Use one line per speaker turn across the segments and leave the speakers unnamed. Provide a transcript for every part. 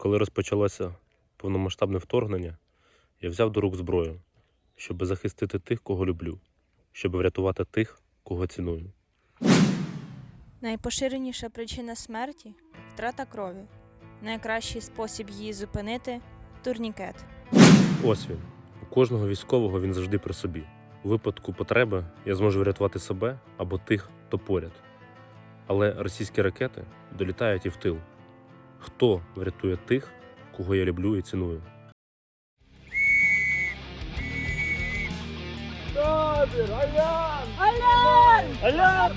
коли розпочалося повномасштабне вторгнення, я взяв до рук зброю, щоб захистити тих, кого люблю, щоб врятувати тих, кого ціную.
Найпоширеніша причина смерті – втрата крові. Найкращий спосіб її зупинити – турнікет.
Ось він. У кожного військового він завжди при собі. У випадку потреби я зможу врятувати себе або тих, хто поряд. Але російські ракети долітають і в тил. Хто врятує тих, кого я люблю і ціную?
Табір! Алярм!
Алярм!
Алярм!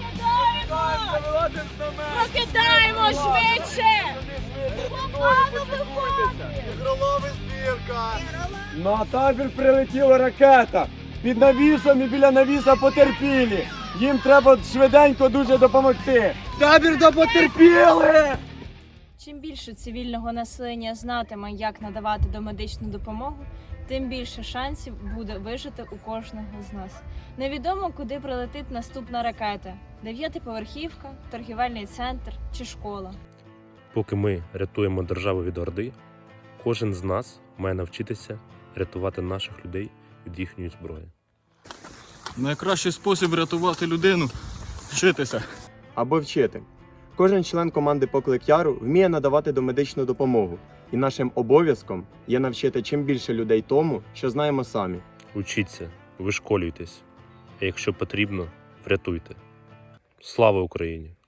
Прокидаємо швидше!
Ігролови збірка! На табір прилетіла ракета! Під навісом і біля навіса потерпілі! Їм треба швиденько дуже допомогти! Табір до потерпілих!
Чим більше цивільного населення знатиме, як надавати домедичну допомогу, тим більше шансів буде вижити у кожного з нас. Невідомо, куди прилетить наступна ракета – 9-поверхівка, торгівельний центр чи школа.
Поки ми рятуємо державу від орди, кожен з нас має навчитися рятувати наших людей від їхньої зброї.
Найкращий спосіб врятувати людину – вчитися.
Або вчити. Кожен член команди «Поклик Яру» вміє надавати домедичну допомогу. І нашим обов'язком є навчити чим більше людей тому, що знаємо самі.
Учіться, вишколюйтесь, а якщо потрібно, врятуйте. Слава Україні!